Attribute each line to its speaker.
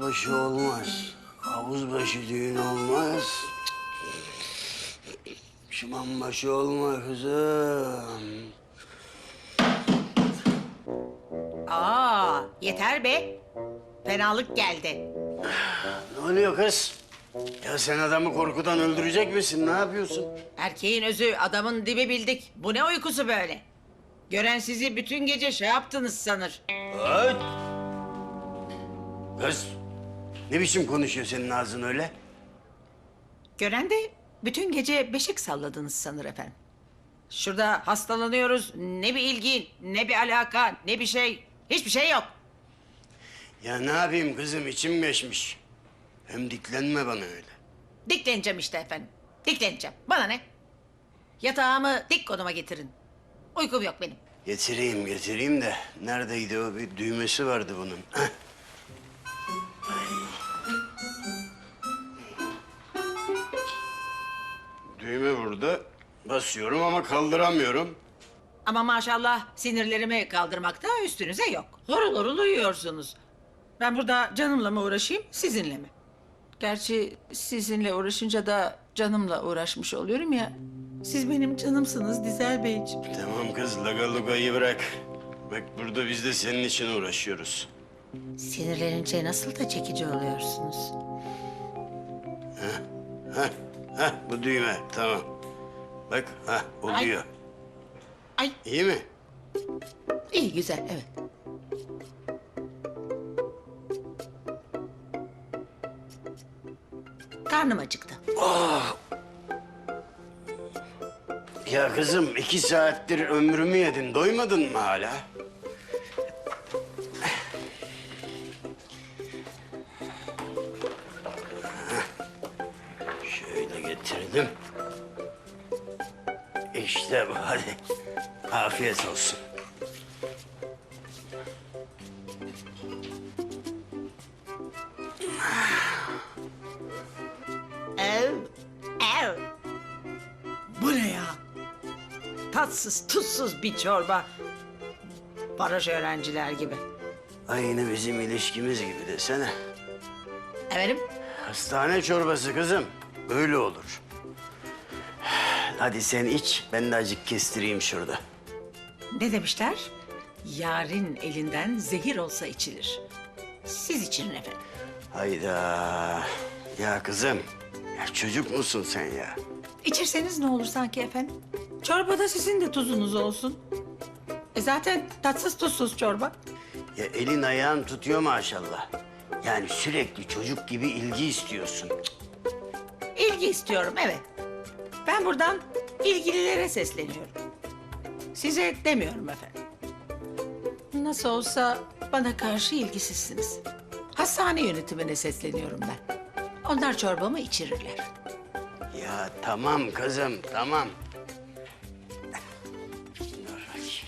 Speaker 1: başı olmaz. Havuz başı düğün olmaz. Şıman başı olma kızım.
Speaker 2: Aa, yeter be. Fenalık geldi.
Speaker 1: Ne oluyor kız? Ya sen adamı korkudan öldürecek misin? Ne yapıyorsun?
Speaker 2: Erkeğin özü, adamın dibi bildik. Bu ne uykusu böyle? Gören sizi bütün gece şey yaptınız sanır.
Speaker 1: Ay! Kız, ne biçim konuşuyor senin ağzın öyle?
Speaker 2: Gören de bütün gece beşik salladınız sanır efendim. Şurada hastalanıyoruz. Ne bir ilgi, ne bir alaka, ne bir şey. Hiçbir şey yok.
Speaker 1: Ya ne yapayım kızım, içim geçmiş. Hem diklenme bana öyle.
Speaker 2: Dikleneceğim işte efendim. Dikleneceğim. Bana ne? Yatağımı dik konuma getirin. Uykum yok benim.
Speaker 1: Getireyim de neredeydi o? Bir düğmesi vardı bunun. Heh. Düğme burada. Basıyorum ama kaldıramıyorum.
Speaker 2: Ama maşallah sinirlerimi kaldırmakta üstünüze yok. Horul horul uyuyorsunuz. Ben burada canımla mı uğraşayım, sizinle mi? Gerçi sizinle uğraşınca da canımla uğraşmış oluyorum ya. Siz benim canımsınız Dizel Beyciğim.
Speaker 1: Tamam kız, lagalugayı bırak. Bak burada biz de senin için uğraşıyoruz.
Speaker 2: Sinirlenince nasıl da çekici oluyorsunuz.
Speaker 1: Heh, bu düğme, tamam. Bak, oluyor.
Speaker 2: Ay,
Speaker 1: İyi mi?
Speaker 2: iyi güzel, evet. Karnım acıktı.
Speaker 1: Ya kızım, 2 saattir ömrümü yedin. Doymadın mı hala? Şöyle getirdim. İşte bu, hadi. Afiyet olsun.
Speaker 2: Ev, ev. Bu ne ya? Tatsız, tuzsuz bir çorba. Baraj öğrenciler gibi.
Speaker 1: Aynı bizim ilişkimiz gibi desene.
Speaker 2: Efendim?
Speaker 1: Hastane çorbası kızım. Böyle olur. Hadi sen iç, ben de acık kestireyim şurada.
Speaker 2: Ne demişler? Yarın elinden zehir olsa içilir. Siz için efendim.
Speaker 1: Hayda. Ya kızım, ya çocuk musun sen ya?
Speaker 2: İçirseniz ne olur sanki efendim? Çorbada sizin de tuzunuz olsun. Zaten tatsız tuzsuz çorba.
Speaker 1: Ya elin ayağın tutuyor maşallah. Yani sürekli çocuk gibi ilgi istiyorsun.
Speaker 2: İlgi istiyorum, evet. Ben buradan ilgililere sesleniyorum. Size demiyorum efendim. Nasıl olsa bana karşı ilgisizsiniz. Hastane yönetimine sesleniyorum ben. Onlar çorbamı içirirler.
Speaker 1: Ya tamam kızım, tamam. Dur bakayım.